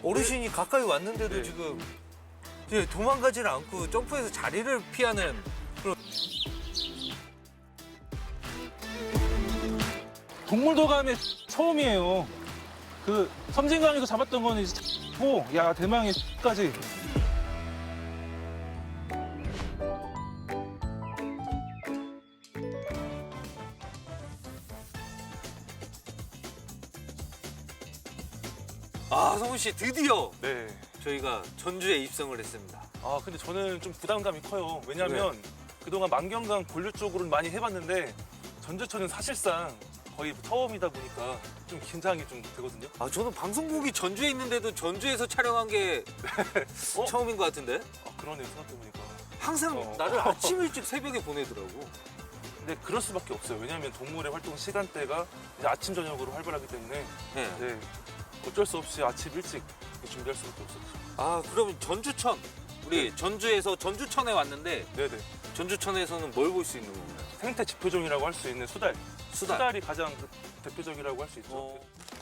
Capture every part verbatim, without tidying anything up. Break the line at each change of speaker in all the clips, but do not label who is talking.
어르신이 가까이 왔는데도
네.
지금 이제 도망가지를 않고 점프해서 자리를 피하는 그런.
동물도감에 처음이에요. 그 섬진강에서 잡았던 거는 이제 고, 야 대망의 까지.
아, 성훈 씨 드디어
네.
저희가 전주에 입성을 했습니다.
아 근데 저는 좀 부담감이 커요. 왜냐하면 그동안 만경강 본류 쪽으로는 많이 해봤는데 전주천은 사실상 거의 처음이다 보니까 좀 긴장이 좀 되거든요.
아, 저는 방송국이 전주에 있는데도 전주에서 촬영한 게
어?
처음인 것 같은데?
아 그러네요 생각해보니까.
항상
어.
나를 아침 일찍 새벽에 보내더라고.
근데 그럴 수밖에 없어요. 왜냐하면 동물의 활동 시간대가 이제 아침 저녁으로 활발하기 때문에
네.
네, 어쩔 수 없이 아침 일찍 준비할 수밖에 없었죠.
아, 그러면 전주천. 우리 전주에서 전주천에 왔는데
네네.
전주천에서는 뭘 볼 수 있는 건가요?
생태 지표종이라고 할 수 있는 수달.
수달.
수달이 가장 그 대표적이라고 할 수 있죠.
어.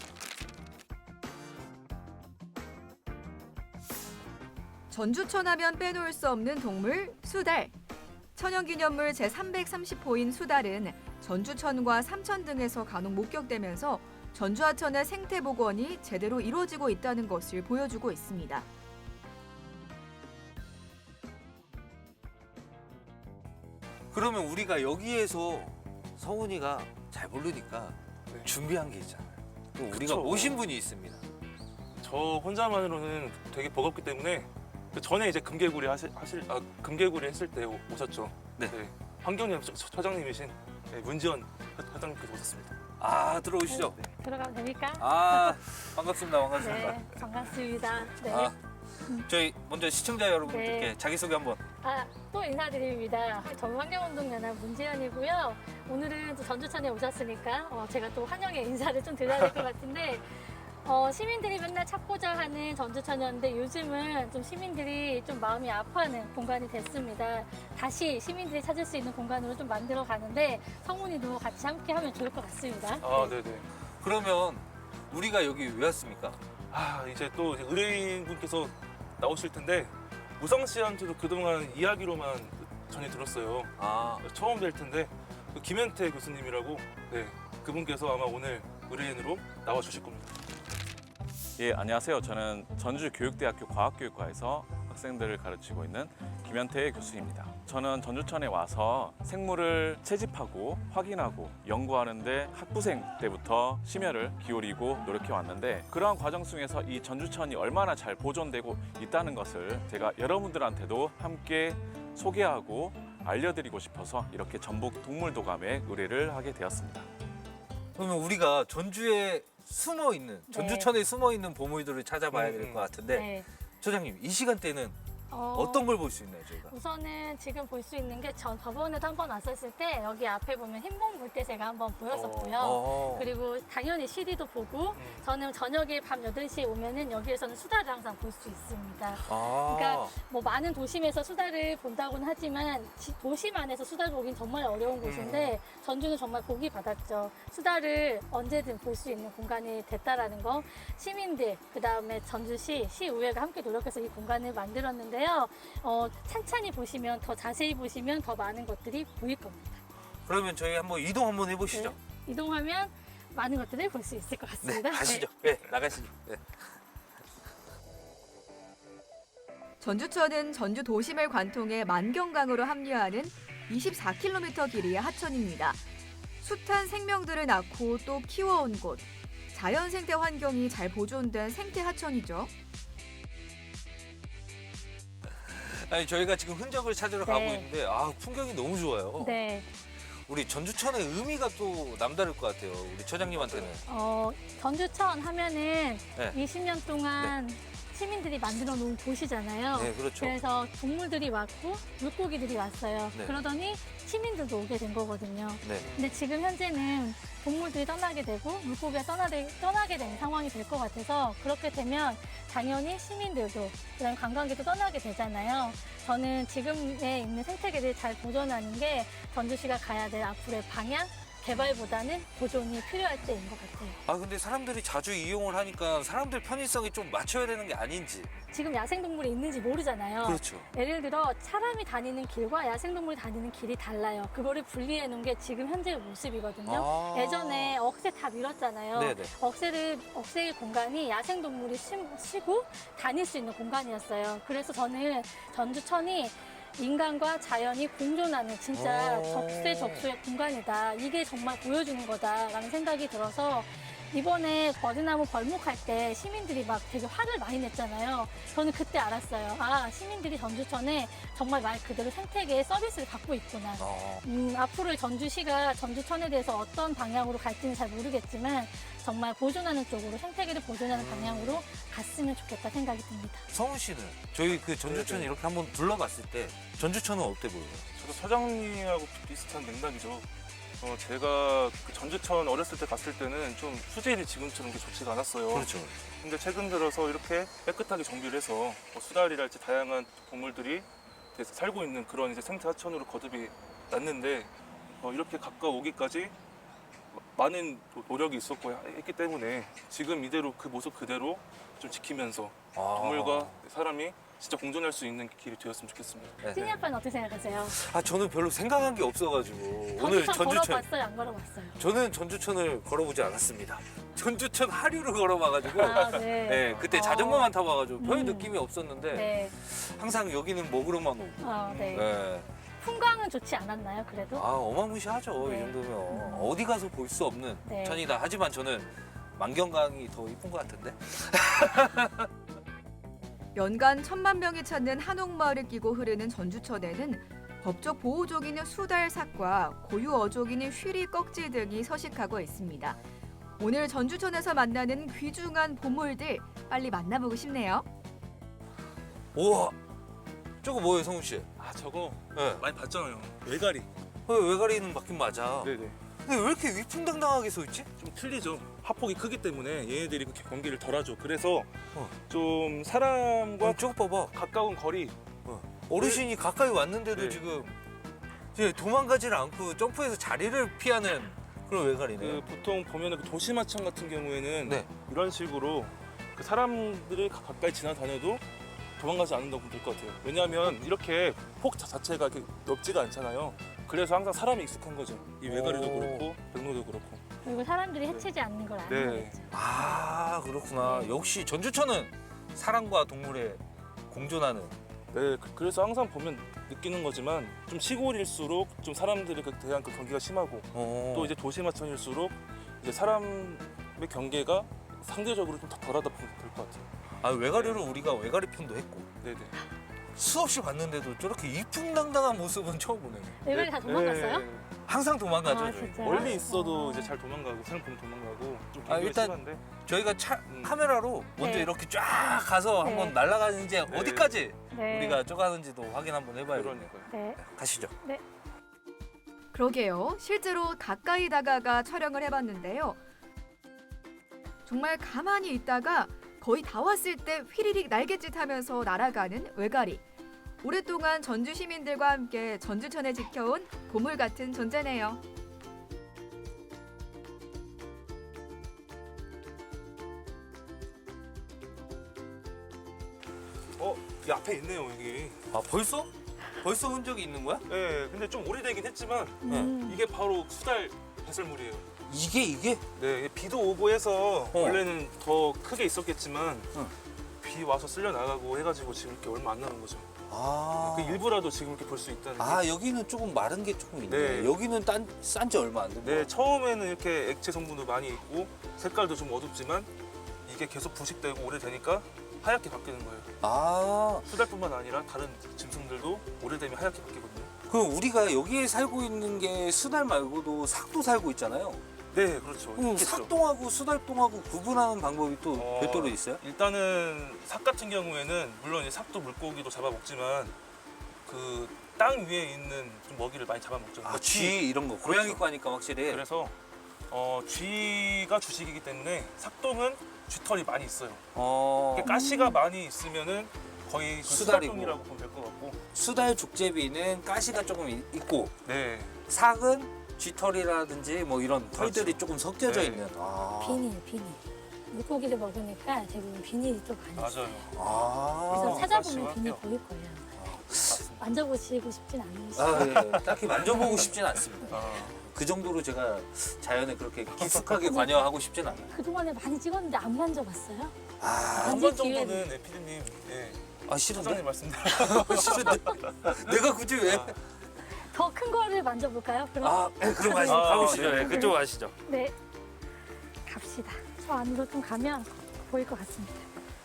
전주천 하면 빼놓을 수 없는 동물 수달. 천연기념물 제삼백삼십 호인 수달은 전주천과 삼천 등에서 간혹 목격되면서 전주하천의 생태복원이 제대로 이루어지고 있다는 것을 보여주고 있습니다.
그러면 우리가 여기에서 성훈이가 잘 모르니까
네.
준비한 게 있잖아요. 또 우리가
그쵸.
모신 분이 있습니다.
저 혼자만으로는 되게 버겁기 때문에 그 전에 이제 금개구리 하실, 하실 아, 금개구리 했을 때 오- 오셨죠.
네.
환경연 처- 처장님이신 네, 문지연 회장님께서 오셨습니다.
아, 들어오시죠.
들어가면 됩니까?
아, 반갑습니다. 반갑습니다.
네, 반갑습니다. 네.
아, 저희 먼저 시청자 여러분들께
네.
자기소개 한번.
아, 또 인사드립니다. 저는 환경운동연합 문지연이고요. 오늘은 또 전주천에 오셨으니까 어, 제가 또 환영의 인사를 좀 드려야 될 것 같은데 어, 시민들이 맨날 찾고자 하는 전주천이었는데 요즘은 좀 시민들이 좀 마음이 아파하는 공간이 됐습니다. 다시 시민들이 찾을 수 있는 공간으로 좀 만들어 가는데 성훈이도 같이 함께 하면 좋을 것 같습니다.
아, 네네.
그러면 우리가 여기 왜 왔습니까?
아, 이제 또 이제 의뢰인분께서 나오실 텐데 우성 씨한테도 그동안 이야기로만 전해 들었어요.
아,
처음 뵐 텐데 그 김현태 교수님이라고 네, 그분께서 아마 오늘 의뢰인으로 나와 주실 겁니다.
예, 안녕하세요. 저는 전주교육대학교 과학교육과에서 학생들을 가르치고 있는 김현태 교수입니다. 저는 전주천에 와서 생물을 채집하고 확인하고 연구하는데 학부생 때부터 심혈을 기울이고 노력해 왔는데 그러한 과정 속에서 이 전주천이 얼마나 잘 보존되고 있다는 것을 제가 여러분들한테도 함께 소개하고 알려드리고 싶어서 이렇게 전북 동물도감에 의뢰를 하게 되었습니다.
그러면 우리가 전주에 숨어 있는,
네.
전주천에 숨어 있는 보물들을 찾아봐야
음,
될 것 같은데,
네.
소장님, 이 시간대는
어,
어떤 걸 볼 수 있나요, 저희가?
우선은 지금 볼 수 있는 게 전 저번에도 한번 왔었을 때 여기 앞에 보면 흰봉 물때 제가 한번 보였었고요.
어.
그리고 당연히 시리도 보고
음.
저는 저녁에 밤 여덟 시에 오면은 여기에서는 수다를 항상 볼 수 있습니다.
아.
그러니까 뭐 많은 도심에서 수다를 본다고는 하지만 지- 도심 안에서 수다를 보긴 정말 어려운 곳인데 전주는 정말 복이 받았죠. 수다를 언제든 볼 수 있는 공간이 됐다라는 거. 시민들 그다음에 전주시 시의회가 함께 노력해서 이 공간을 만들었는데요. 어, 찬찬히 보시면 더 자세히 보시면 더 많은 것들이 보일 겁니다.
그러면 저희 한번 이동 한번 해보시죠.
네. 이동하면 많은 것들을 볼 수 있을 것
네,
같습니다.
가시죠. 네, 나가시죠. 네.
전주천은 전주 도심을 관통해 만경강으로 합류하는 이십사 킬로미터 길이의 하천입니다. 숱한 생명들을 낳고 또 키워온 곳. 자연 생태 환경이 잘 보존된 생태 하천이죠.
아니, 저희가 지금 흔적을 찾으러
네.
가고 있는데, 아, 풍경이 너무 좋아요.
네.
우리 전주천의 의미가 또 남다를 것 같아요. 우리 처장님한테는.
어, 전주천 하면은
네.
이십 년 동안 시민들이 만들어 놓은 곳이잖아요.
네, 그렇죠.
그래서 동물들이 왔고 물고기들이 왔어요.
네.
그러더니 시민들도 오게 된 거거든요.
네.
근데 지금 현재는 동물들이 떠나게 되고 물고기가 떠나게, 떠나게 된 상황이 될 것 같아서 그렇게 되면 당연히 시민들도 그다음에 관광객도 떠나게 되잖아요. 저는 지금에 있는 생태계를 잘 보존하는 게 전주시가 가야 될 앞으로의 방향 개발보다는 보존이 필요할 때인 것 같아요.
아 근데 사람들이 자주 이용을 하니까 사람들 편의성이 좀 맞춰야 되는 게 아닌지.
지금 야생동물이 있는지 모르잖아요.
그렇죠.
예를 들어 사람이 다니는 길과 야생동물이 다니는 길이 달라요. 그거를 분리해 놓은 게 지금 현재의 모습이거든요.
아.
예전에 억새 다 밀었잖아요.
네네.
억새를 억새의 공간이 야생동물이 쉬, 쉬고 다닐 수 있는 공간이었어요. 그래서 저는 전주천이 인간과 자연이 공존하는 진짜
오.
적재적소의 공간이다. 이게 정말 보여주는 거다라는 생각이 들어서 이번에 버드나무 벌목할 때 시민들이 막 되게 화를 많이 냈잖아요. 저는 그때 알았어요. 아, 시민들이 전주천에 정말 말 그대로 생태계의 서비스를 갖고 있구나.
어.
음, 앞으로 전주시가 전주천에 대해서 어떤 방향으로 갈지는 잘 모르겠지만 정말 보존하는 쪽으로 생태계를 보존하는 방향으로 갔으면 좋겠다 생각이 듭니다.
성훈 씨는 저희 그 전주천
네네.
이렇게 한번 둘러봤을 때 전주천은 어때 보여요?
저도 사장님하고 비슷한 맥락이죠. 어, 제가 그 전주천 어렸을 때 갔을 때는 좀 수질이 지금처럼 그렇게 좋지가 않았어요.
그렇죠.
근데 최근 들어서 이렇게 깨끗하게 정비를 해서 뭐 수달이랄지 다양한 동물들이 이제 살고 있는 그런 이제 생태 하천으로 거듭이 났는데 어, 이렇게 가까워오기까지 많은 노력이 있었고 했기 때문에 지금 이대로 그 모습 그대로 좀 지키면서
아.
동물과 사람이 진짜 공존할 수 있는 길이 되었으면 좋겠습니다.
네,
찐이
네.
아빠는 어떻게 생각하세요?
아 저는 별로 생각한 게 없어가지고 오늘
전주천
전주천
걸어봤어요? 안 걸어봤어요?
저는 전주천을 걸어보지 않았습니다. 전주천 하류를 걸어봐가지고
아, 네.
네, 그때
어.
자전거만 타봐가지고 별
음.
느낌이 없었는데
네.
항상 여기는 먹으러만 오고
어, 네.
네.
풍광은 좋지 않았나요, 그래도?
아 어마무시하죠.
네.
이 정도면 어디 가서 볼 수 없는
네.
천이다. 하지만 저는 만경강이 더 이쁜 것 같은데.
연간 천만 명이 찾는 한옥마을을 끼고 흐르는 전주천에는 법적 보호종인 수달삭과 고유 어종인 휘리 꺽지 등이 서식하고 있습니다. 오늘 전주천에서 만나는 귀중한 보물들 빨리 만나보고 싶네요.
우와, 저거 뭐예요, 성훈 씨?
아 저거
네.
많이 봤잖아요. 외가리.
어, 외가리는 맞긴 맞아.
네네.
근데 왜 이렇게 위풍당당하게 서 있지?
좀 틀리죠. 하폭이 크기 때문에 얘네들이 그렇게 경계를 덜하죠. 그래서
어.
좀 사람과
어, 저거 봐봐.
가까운 거리.
어르신이 가까이 왔는데도
네.
지금 이제 도망가지를 않고 점프해서 자리를 피하는 그런 외가리네.
그 보통 보면은 그 도시마천 같은 경우에는
네.
이런 식으로 그 사람들이 가- 가까이 지나다녀도 도망가지 않는다고 보면 될 것 같아요. 왜냐하면 이렇게 폭 자- 자체가 이렇게 넓지가 않잖아요. 그래서 항상 사람이 익숙한 거죠. 이 외가리도
오.
그렇고 백로도 그렇고.
그리고 사람들이 해치지 않는 걸 아는
네.
거겠죠.
아 그렇구나.
네.
역시 전주천은 사람과 동물의 공존하는.
네, 그- 그래서 항상 보면 느끼는 거지만 좀 시골일수록 좀 사람들에 대한 그 경계가 심하고
어.
또 이제 도시마천일수록 이제 사람의 경계가 상대적으로 좀 더 덜하다 보면 될 것 같아요.
아 외가리를 우리가 외가리 편도 했고
네네.
수없이 봤는데도 저렇게 이풍당당한 모습은 처음 보네요.
외가리 다 도망갔어요?
네.
항상 도망가죠.
아,
저희.
진짜요?
멀리 있어도
어.
이제 잘 도망가고 사람 보면 도망가고 좀
아,
경계가
일단
심한데
저희가 차,
음.
카메라로 먼저
네.
이렇게 쫙 가서
네.
한번 날아가는지 어디까지
네.
우리가 쪼가는지도 확인 한번 해봐야겠네요.
그러니까요.
네.
가시죠.
그러게요. 실제로 가까이 다가가 촬영을 해봤는데요. 정말 가만히 있다가 거의 다 왔을 때 휘리릭 날갯짓 하면서 날아가는 외가리. 오랫동안 전주 시민들과 함께 전주천을 지켜온 보물 같은 존재네요.
어, 이 앞에 있네요 여기.
아 벌써? 벌써 흔적이 있는 거야?
네, 근데 좀 오래되긴 했지만
음.
이게 바로 수달 배설물이에요.
이게 이게?
네, 비도 오고 해서
어.
원래는 더 크게 있었겠지만
응.
비 와서 쓸려 나가고 해가지고 지금 이렇게 얼마 안 남은 거죠.
아.
그 일부라도 지금 이렇게 볼 수 있다는 게.
아 여기는 조금 마른 게 조금 있네.
네.
여기는 싼 지 얼마 안 된 거야.
네, 처음에는 이렇게 액체 성분도 많이 있고 색깔도 좀 어둡지만 이게 계속 부식되고 오래되니까 하얗게 바뀌는 거예요.
아
수달뿐만 아니라 다른 짐승들도 오래되면 하얗게 바뀌거든요.
그럼 우리가 여기에 살고 있는 게 수달 말고도 삭도 살고 있잖아요.
네, 그렇죠.
그럼
있겠죠.
삭동하고 수달동하고 구분하는 방법이 또
어,
별도로 있어요?
일단은 삭 같은 경우에는 물론 이제 삭도 물고기도 잡아먹지만 그 땅 위에 있는 좀 먹이를 많이 잡아먹죠.
아, 쥐 이런 거 고양이 과니까 확실히.
그래서 어, 쥐가 주식이기 때문에 삭동은 쥐털이 많이 있어요.
어,
이렇게 가시가 많이 있으면은 거의 그
수달이고.
수달종이라고 보면 될 것 같고.
수달 족제비는 가시가 조금 이- 있고
네,
삭은 쥐털이라든지 뭐 이런 털들이 조금 섞여져
네.
있는. 아.
비닐, 비닐. 물고기를 먹으니까 대부분 비닐이 좀 많이 있어요.
맞아요.
아.
그래서 찾아보면
그렇죠.
비닐 보일 거예요. 만져보시고 싶진 않으시죠?
아, 예. 딱히 만져보고 싶진 않습니다.
아,
그 정도로 제가 자연에 그렇게 깊숙하게 관여하고 싶진 않아요.
그동안에 많이 찍었는데 안 만져봤어요?
아,
한 번 정도는 네, 피디님, 예,
아 싫은데?
사장님 말씀대로
싫은데? 내가 굳이 왜?
더 큰 거를 만져볼까요? 그럼?
아, 네, 그럼 가시,
아,
가보시죠.
네.
네, 그쪽 가시죠.
네. 갑시다. 저 안으로 좀 가면 보일 것 같습니다.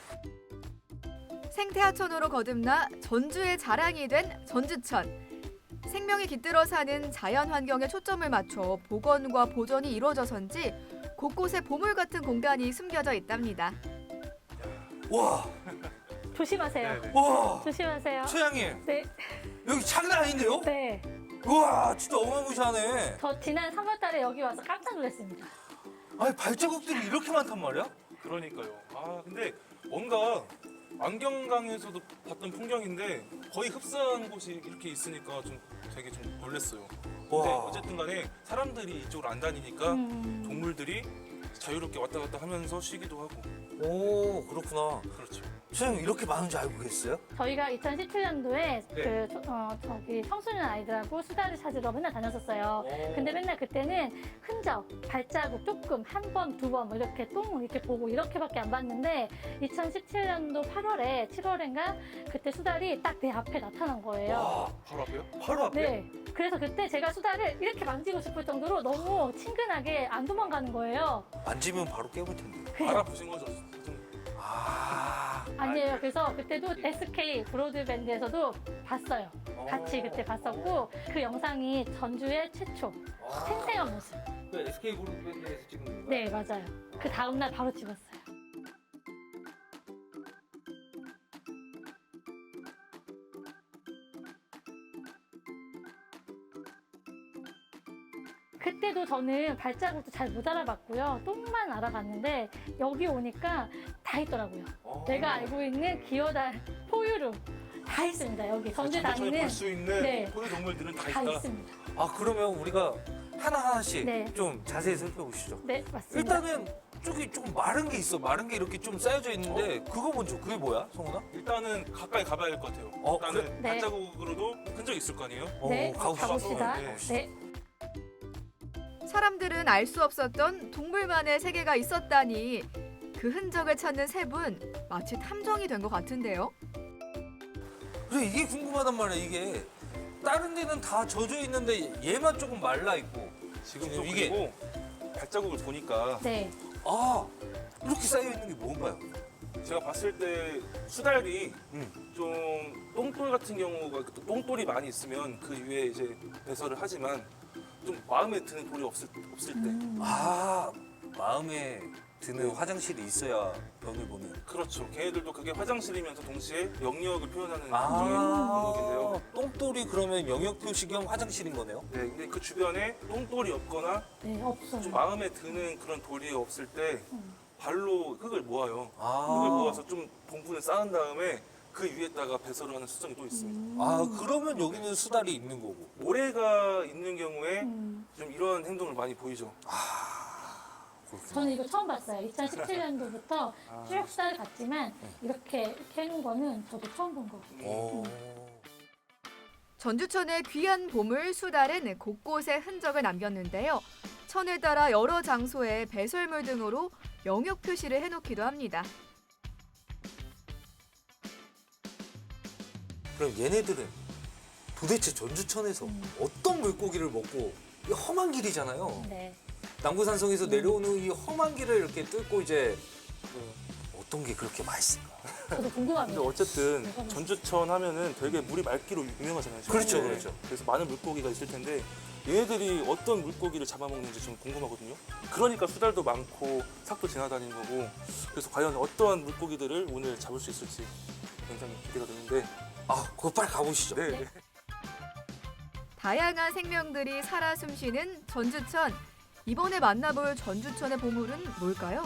생태하천으로 거듭나 전주의 자랑이 된 전주천. 생명이 깃들어 사는 자연 환경에 초점을 맞춰 복원과 보존이 이루어져서인지 곳곳에 보물 같은 공간이 숨겨져 있답니다.
와,
조심하세요.
네, 네.
와,
조심하세요.
최양님
네,
여기 장난 아닌데요?
네.
우와, 진짜 어마무시하네.
저 지난 삼월 달에 여기 와서 깜짝 놀랐습니다.
아니 발자국들이 이렇게 많단 말이야?
그러니까요. 아 근데 뭔가 안경강에서도 봤던 풍경인데 거의 흡사한 곳이 이렇게 있으니까 좀 되게 좀 놀랐어요. 근데
와.
어쨌든 간에 사람들이 이쪽으로 안 다니니까
음,
동물들이 자유롭게 왔다 갔다 하면서 쉬기도 하고.
오, 그렇구나.
그렇죠.
최양님 이렇게 많은 줄 알고 계셨어요?
저희가 이천십칠 년도에
네.
그 저- 어, 저기 청소년 아이들하고 수다를 찾으러 맨날 다녔었어요. 근데 맨날 그때는 흔적, 발자국 조금 한 번, 두 번 뭐 이렇게 똥 이렇게 보고 이렇게밖에 안 봤는데 이천십칠 년도 팔월에 칠월인가 그때 수달이 딱 내 앞에 나타난 거예요.
와,
바로 앞에요?
바로 앞에?
네. 그래서 그때 제가 수달을 이렇게 만지고 싶을 정도로 너무 친근하게 안 도망가는 거예요.
만지면 바로 깨물 텐데.
알아보신 거죠? 좀
아,
아니에요. 그래서 그때도 에스케이 브로드밴드에서도 봤어요. 같이 그때 봤었고 그 영상이 전주의 최초 생생한 모습.
그 에스케이 그룹밴드에서 찍은 건가요?
네, 맞아요. 그 다음날 바로 찍었어요. 그때도 저는 발자국도 잘 못 알아봤고요. 똥만 알아봤는데 여기 오니까 다 있더라고요.
어.
내가 알고 있는 기어다 포유류 다 있습니다. 여기 전주 다니는
볼수 있는
네.
포유 동물들은 다,
다
있다.
있습니다.
아, 그러면 우리가 하나하나씩
네.
좀 자세히 살펴보시죠.
네, 맞습니다.
일단은 저기 조금 마른 게 있어. 마른 게 이렇게 좀 쌓여져 있는데 그거 먼저 그게 뭐야, 성훈아?
일단은 가까이 가봐야 할 것 같아요.
어,
일단은
그래? 네.
발자국으로도 흔적이 있을 거 아니에요?
네,
어, 가봅시다.
가봅시다.
네.
네.
사람들은 알 수 없었던 동물만의 세계가 있었다니 그 흔적을 찾는 세 분 마치 탐정이 된 것 같은데요.
그래, 이게 궁금하단 말이야. 이게 다른 데는 다 젖어 있는데 얘만 조금 말라 있고.
지금
지금
또
이게-
그리고 발자국을 보니까
네.
아, 이렇게 쌓여 있는 게 뭔가요?
제가 봤을 때 수달이
음.
좀 똥돌 같은 경우가 또 똥돌이 많이 있으면 그 위에 이제 배설을 하지만 좀 마음에 드는 돌이 없을, 없을 때
음.
아, 마음에 드는
네.
화장실이 있어야 변을 보는.
그렇죠. 걔네들도 그게 화장실이면서 동시에 영역을 표현하는
아,
일종의 방법인데요.
똥돌이 그러면 영역 표시 겸 화장실인 거네요?
네, 근데 그 주변에 똥돌이 없거나
네, 없어요.
좀 마음에 드는 그런 돌이 없을 때
음.
발로 흙을 모아요.
아,
흙을 모아서 좀 봉분을 쌓은 다음에 그 위에다가 배설을 하는 수정이 또 있습니다.
아, 그러면 여기는 수달이 있는 거고.
모래가 있는 경우에
음.
좀 이런 행동을 많이 보이죠.
그렇구나.
저는 이거 처음 봤어요. 이천십칠 년도부터
아.
쭉 수달 갔지만 이렇게 이렇게 해놓은 거는 저도 처음 본 거고.
오.
전주천의 귀한 보물 수달은 곳곳에 흔적을 남겼는데요. 천을 따라 여러 장소에 배설물 등으로 영역 표시를 해놓기도 합니다.
그럼 얘네들은 도대체 전주천에서
음.
어떤 물고기를 먹고, 이 험한 길이잖아요.
네.
남구산성에서 내려오는 이 험한 길을 이렇게 뚫고 이제 그 어떤 게 그렇게 맛있을까?
저도
근데
궁금합니다.
어쨌든 전주천 하면은 되게 물이 맑기로 유명하잖아요. 지금.
그렇죠,
네.
그렇죠.
그래서 많은 물고기가 있을 텐데 얘네들이 어떤 물고기를 잡아먹는지 좀 궁금하거든요. 그러니까 수달도 많고 삭도 지나다니는 거고 그래서 과연 어떠한 물고기들을 오늘 잡을 수 있을지 굉장히 기대가 되는데
아, 그거 빨리 가보시죠.
네.
네.
다양한 생명들이 살아 숨쉬는 전주천. 이번에 만나볼 전주천의 보물은 뭘까요?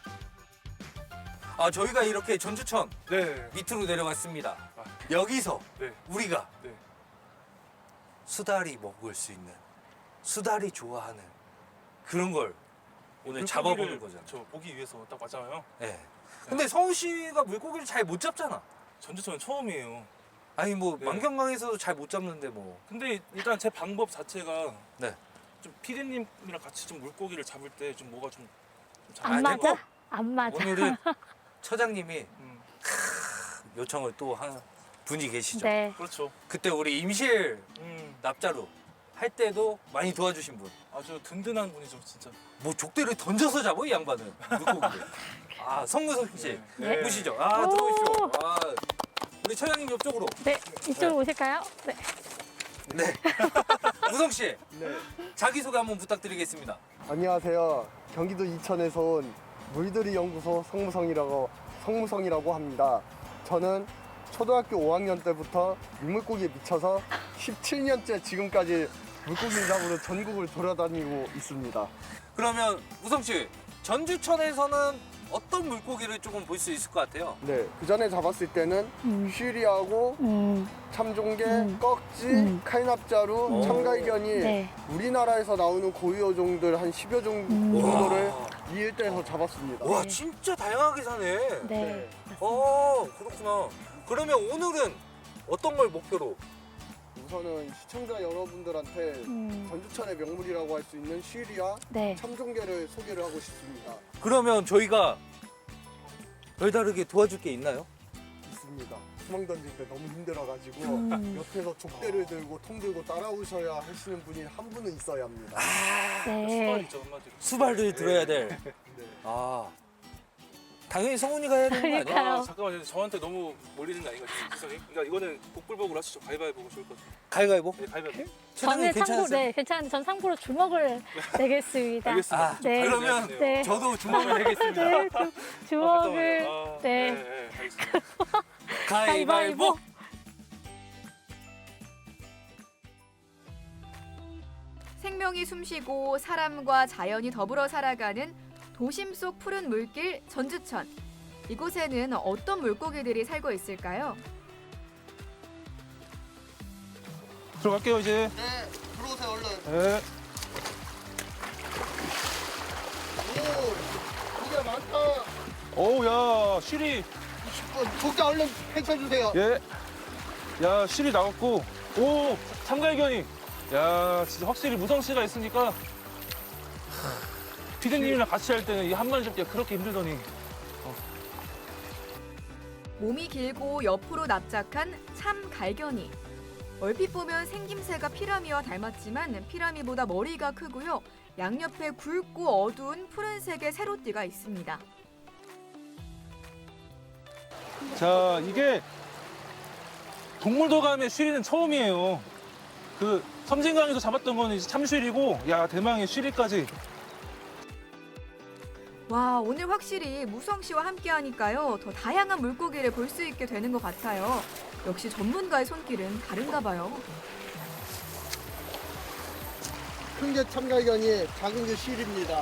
아, 저희가 이렇게 전주천
네.
밑으로 내려왔습니다.
아.
여기서
네.
우리가
네.
수달이 먹을 수 있는 수달이 좋아하는 그런 걸 오늘 잡아보는 거잖아.
저 보기 위해서 딱 맞아요.
네. 근데 성훈 씨가 물고기를 잘 못 잡잖아.
전주천은 처음이에요.
아니 뭐
네.
만경강에서도 잘 못 잡는데 뭐.
근데 일단 제 방법 자체가
네.
좀 피디님이랑 같이 좀 물고기를 잡을 때 좀 뭐가 좀 잘
안
아,
맞아?
됐고.
안 맞아.
오늘은 처장님이
음,
요청을 또 한 분이 계시죠.
네.
그렇죠.
그때 우리 임실
음,
납자루 할 때도 많이 도와주신 분.
아주 든든한 분이죠, 진짜.
뭐 족대를 던져서 잡아 이 양반은 물고기를. 아 성무석 씨
네.
보시죠. 아
오.
들어오시죠. 아 우리 처장님 옆쪽으로.
네, 이쪽으로 오실까요? 네.
네. 무성 씨
네,
자기 소개 한번 부탁드리겠습니다.
안녕하세요. 경기도 이천에서 온 물들이 연구소 성무성이라고 성무성이라고 합니다. 저는 초등학교 오 학년 때부터 육물고기에 미쳐서 십칠 년째 지금까지 물고기를 잡으러 전국을 돌아다니고 있습니다.
그러면 무성 씨 전주천에서는 어떤 물고기를 조금 볼 수 있을 것 같아요?
네, 그 전에 잡았을 때는
음.
쉬리하고
음,
참종개,
음.
꺽지,
음.
칼납자루,
오.
참갈견이
네.
우리나라에서 나오는 고유어종들 한 십여 종
음.
정도를
와.
이 일대에서 잡았습니다.
와
네.
진짜 다양하게 사네.
네.
어 그렇구나. 그러면 오늘은 어떤 걸 목표로?
우선은 시청자 여러분들한테
음,
전주천의 명물이라고 할 수 있는 쉬리와
네.
참종개를 소개를 하고 싶습니다.
그러면 저희가 별다르게 도와줄 게 있나요?
있습니다. 수망 던질 때 너무 힘들어가지고
음.
옆에서 족대를 들고 통 들고 따라오셔야 하시는 분이 한 분은 있어야 합니다.
네.
수발이죠, 한마디로.
수발을 들어야 될.
네.
아 당연히 성훈이가 해야 되는 거 아니야?
그러니까요.
아, 잠깐만요. 저한테 너무 몰리는 거 아닌가, 지성이? 그러니까 이거는 복불복으로 하시죠. 가위바위보 좋을 것 같아요.
가위가위보?
네, 가위바위보.
처장님
저는 참고,
괜찮으세요?
네, 괜찮은데 전 참고로 주먹을 내겠습니다.
알겠습니다.
아,
네.
그러면
네.
저도 주먹을 내겠습니다.
네, 주, 주먹을.
아,
네.
네, 네, 알겠습니다.
가위바위보.
생명이 숨쉬고 사람과 자연이 더불어 살아가는 도심 속 푸른 물길 전주천. 이곳에는 어떤 물고기들이 살고 있을까요?
들어갈게요, 이제.
네, 들어오세요 얼른.
네.
오, 고기가 많다.
어우, 야, 실이.
고기 얼른 펼쳐주세요.
예. 야, 실이 나왔고. 오, 참갈견이. 야, 진짜 확실히 무성 씨가 있으니까. 피디님이랑 같이 할 때는 이 한 마리 잡기가 그렇게 힘들더니.
몸이 길고 옆으로 납작한 참갈견이. 얼핏 보면 생김새가 피라미와 닮았지만 피라미보다 머리가 크고요. 양옆에 굵고 어두운 푸른색의 세로띠가 있습니다.
자, 이게 동물도감의 쉬리는 처음이에요. 그 섬진강에서 잡았던 거는 이제 참쉬리고, 야, 대망의 쉬리까지.
와, 오늘 확실히 무성 씨와 함께 하니까요. 더 다양한 물고기를 볼 수 있게 되는 것 같아요. 역시 전문가의 손길은 다른가 봐요.
큰 게 참갈견이, 작은 게 쉬리입니다.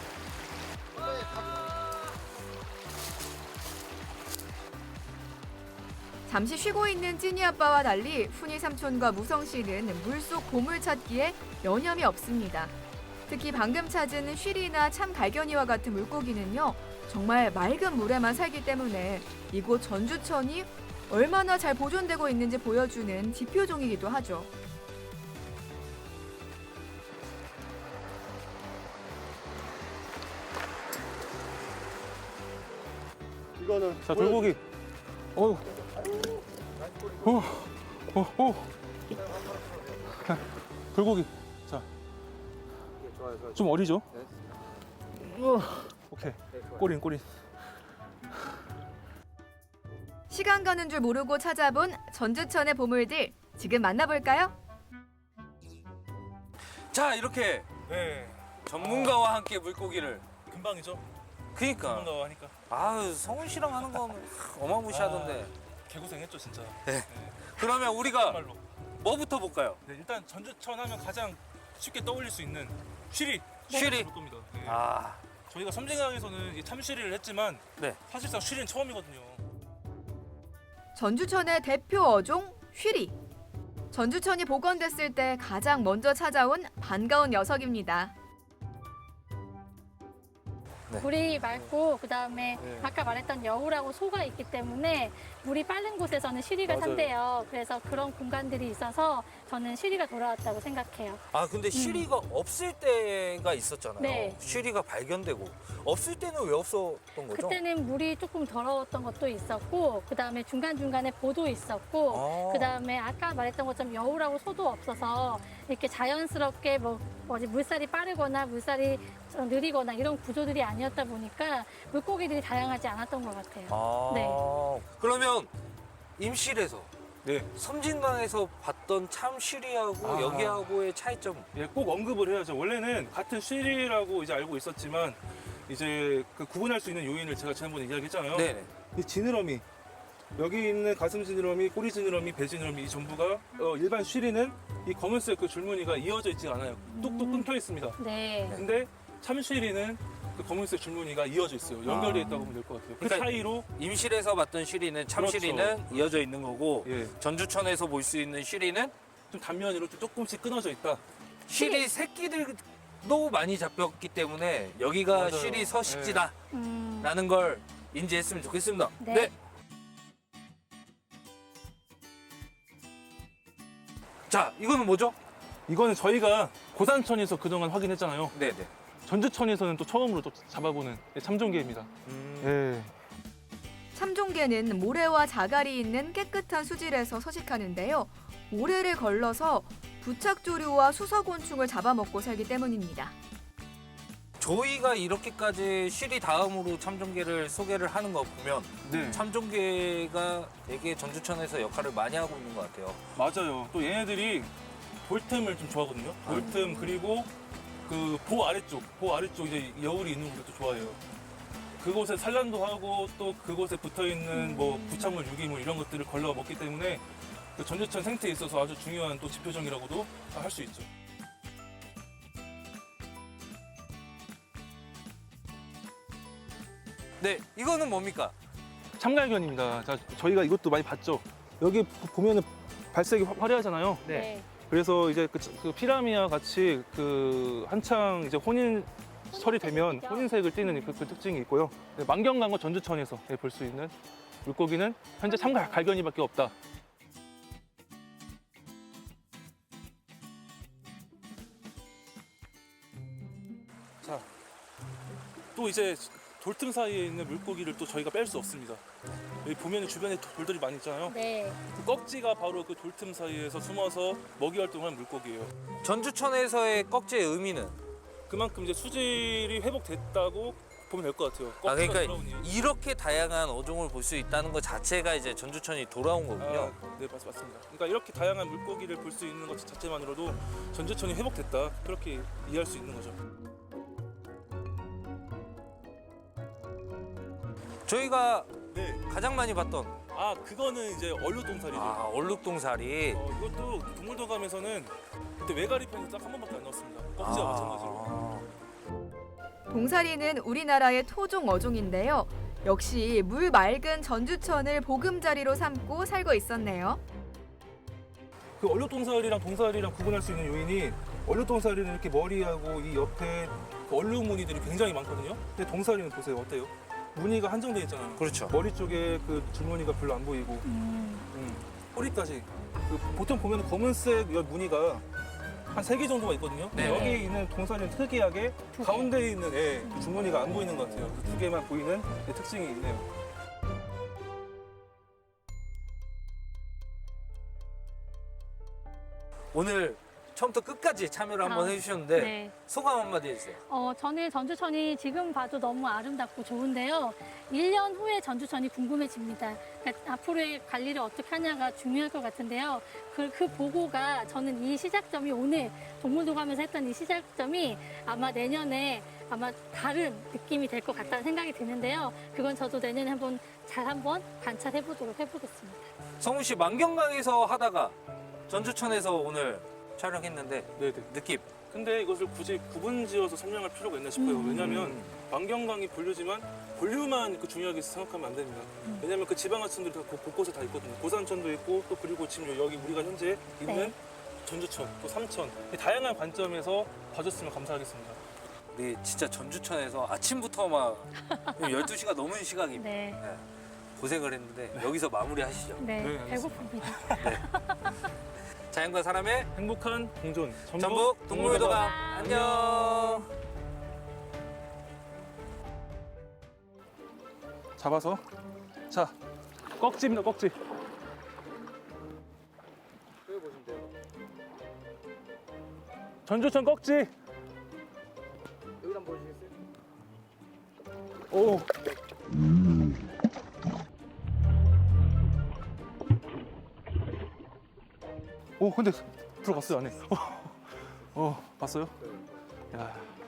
잠시 쉬고 있는 찐이 아빠와 달리 훈이 삼촌과 무성 씨는 물속 보물 찾기에 여념이 없습니다. 특히 방금 찾은 쉬리나 참갈견이와 같은 물고기는요. 정말 맑은 물에만 살기 때문에 이곳 전주천이 얼마나 잘 보존되고 있는지 보여주는 지표종이기도 하죠.
이거는
자, 돌고기. 어휴. 오, 오, 오. 돌고기. 자,
좋아요, 좋아요.
좀 어리죠? 오케이. 꼬린, 꼬린.
시간 가는 줄 모르고 찾아본 전주천의 보물들 지금 만나볼까요?
자 이렇게
네.
전문가와 함께 물고기를.
금방이죠?
그니까.
전문가와 하니까.
아유 성훈 씨랑 하는 건 어마무시하던데.
개고생했죠, 진짜.
그러면 우리가
정말로.
뭐부터 볼까요?
네, 일단 전주천 하면 가장 쉽게 떠올릴 수 있는 쉬리.
쉬리.
볼 겁니다. 네.
아
저희가 섬진강에서는 이 참쉬리를 했지만
네.
사실상 쉬리는 처음이거든요.
전주천의 대표 어종 쉬리. 전주천이 복원됐을 때 가장 먼저 찾아온 반가운 녀석입니다.
물이 맑고 그다음에
네.
아까 말했던 여우라고 소가 있기 때문에 물이 빠른 곳에서는 쉬리가
맞아요.
산대요. 그래서 그런 공간들이 있어서 저는 쉬리가 돌아왔다고 생각해요.
아 근데 쉬리가 없을 때가 있었잖아요.
음. 네.
쉬리가 발견되고 없을 때는 왜 없었던 거죠?
그때는 물이 조금 더러웠던 것도 있었고 그다음에 중간중간에 보도 있었고
아.
그다음에 아까 말했던 것처럼 여우라고 소도 없어서 이렇게 자연스럽게 뭐 뭐지 물살이 빠르거나 물살이 좀 느리거나 이런 구조들이 아니었다 보니까 물고기들이 다양하지 않았던 것 같아요.
아.
네.
그러면 임실에서
네.
섬진강에서 봤던 참 쉬리하고
아.
여기하고의 차이점.
예, 꼭 언급을 해야죠. 원래는 같은 쉬리라고 이제 알고 있었지만 이제 그 구분할 수 있는 요인을 제가 지난번에 이야기했잖아요.
네네.
이 지느러미 여기 있는 가슴 지느러미, 꼬리 지느러미, 배 지느러미 이 전부가 어, 일반 쉬리는 이 검은색 그 줄무늬가 이어져 있지 않아요. 뚝뚝 끊겨 있습니다.
네.
근데 참 쉬리는 그 검은색 줄무늬가 이어져 있어요. 연결되어 있다고 보면 될 것 같아요. 그
그러니까
차이로
임실에서 봤던 쉬리는 참
그렇죠.
쉬리는 이어져 있는 거고
예,
전주천에서 볼 수 있는 쉬리는
좀 단면으로 좀 조금씩 끊어져 있다.
쉬리 새끼들도 많이 잡혔기 때문에 여기가
맞아요.
쉬리 서식지다라는
음,
걸 인지했으면 좋겠습니다.
네.
자, 이거는 뭐죠?
이거는 저희가 고산천에서 그동안 확인했잖아요.
네네.
전주천에서는 또 처음으로 또 잡아보는 참종개입니다.
음.
예.
참종개는 모래와 자갈이 있는 깨끗한 수질에서 서식하는데요. 모래를 걸러서 부착조류와 수서곤충을 잡아먹고 살기 때문입니다.
저희가 이렇게까지 쉬리 다음으로 참종개를 소개를 하는 거 보면
네.
참종개가 되게 전주천에서 역할을 많이 하고 있는 것 같아요.
맞아요. 또 얘네들이 돌틈을 좀 좋아하거든요. 돌틈 그리고 그 보 아래쪽, 보 아래쪽 이제 여울이 있는 곳을 또 좋아해요. 그곳에 산란도 하고 또 그곳에 붙어 있는 뭐 부착물, 유기물 이런 것들을 걸러 먹기 때문에 그 전주천 생태에 있어서 아주 중요한 또 지표종이라고도 할 수 있죠.
네, 이거는 뭡니까?
참갈견입니다. 자, 저희가 이것도 많이 봤죠. 여기 보- 보면은 발색이 화- 화려하잖아요.
네.
그래서 이제 그, 그 피라미와 같이 그 한창 이제 혼인 설이 되면
혼인색이죠.
혼인색을 띠는 그, 그 특징이 있고요. 네, 만경강과 전주천에서 볼 수 있는 물고기는 현재 참갈견이밖에 없다. 자, 또 이제 돌틈 사이에 있는 물고기를 또 저희가 뺄 수 없습니다. 여기 보면 주변에 돌들이 많이 있잖아요.
네.
그 꺽지가 바로 그 돌틈 사이에서 숨어서 먹이 활동하는 물고기예요.
전주천에서의 꺽지의 의미는?
그만큼 이제 수질이 회복됐다고 보면 될 것 같아요.
아,
꺽지가
그러니까
돌아온 이유.
이렇게 다양한 어종을 볼 수 있다는 것 자체가 이제 전주천이 돌아온 거군요.
아, 네, 맞, 맞습니다. 그러니까 이렇게 다양한 물고기를 볼 수 있는 것 자체만으로도 전주천이 회복됐다. 그렇게 이해할 수 있는 거죠.
저희가
네.
가장 많이 봤던
아, 그거는 이제 얼룩동살이죠.
아, 얼룩동사리.
어, 이것도 동물도감에서는 그때 외가리 편이 딱 한 번밖에 안 나왔습니다. 꺽지와 마찬가지로.
아.
동사리는 우리나라의 토종 어종인데요. 역시 물 맑은 전주천을 보금자리로 삼고 살고 있었네요.
그 얼룩동살이랑 동살이랑 구분할 수 있는 요인이 얼룩동살이는 이렇게 머리하고 이 옆에 그 얼룩 무늬들이 굉장히 많거든요. 근데 동살이는 보세요. 어때요? 무늬가 한정돼 있잖아요.
그렇죠.
머리 쪽에 그 줄무늬가 별로 안 보이고
음,
음, 꼬리까지 그 보통 보면 검은색 이 무늬가 한 세 개 정도가 있거든요. 근데
네.
여기 있는 동살이는 특이하게
두 개.
가운데에 있는 애, 그 줄무늬가 안 보이는 것 같아요. 그 두 개만 보이는 네, 특징이 있네요.
오늘 처음부터 끝까지 참여를 한번
아,
해주셨는데
네.
소감 한마디 해주세요.
어, 저는 전주천이 지금 봐도 너무 아름답고 좋은데요. 일 년 후에 전주천이 궁금해집니다. 그러니까 앞으로의 관리를 어떻게 하냐가 중요할 것 같은데요. 그, 그 보고가 저는 이 시작점이 오늘 동물도감에서 했던 이 시작점이 아마 내년에 아마 다른 느낌이 될 것 같다는 생각이 드는데요. 그건 저도 내년에 한번 잘 한번 관찰해 보도록 해보겠습니다.
성훈 씨 만경강에서 하다가 전주천에서 오늘 촬영했는데
네네.
느낌
근데 이것을 굳이 구분지어서 설명할 필요가 있나 싶어요. 왜냐하면 만경강이 본류지만 본류만 그 중요하게 생각하면 안 됩니다. 왜냐하면 그 지방하천들이 다 곳- 곳곳에 다 있거든요. 고산천도 있고 또 그리고 지금 여기 우리가 현재 있는
네.
전주천, 또 삼천 다양한 관점에서 봐줬으면 감사하겠습니다.
우리 진짜 전주천에서 아침부터 막 열두 시가 넘은 시각입니다.
네.
네. 고생을 했는데 여기서 마무리하시죠.
네,
네, 알겠습니다.
배고픕니다.
자연과 사람의
행복한 공존
전북 동물도감 안녕.
잡아서 자 꺽지입니다. 꺽지. 전주천 꺽지.
여기 한번 보시겠어요?
오. 오 근데 들어갔어요 안에. 어, 어 봤어요? 야.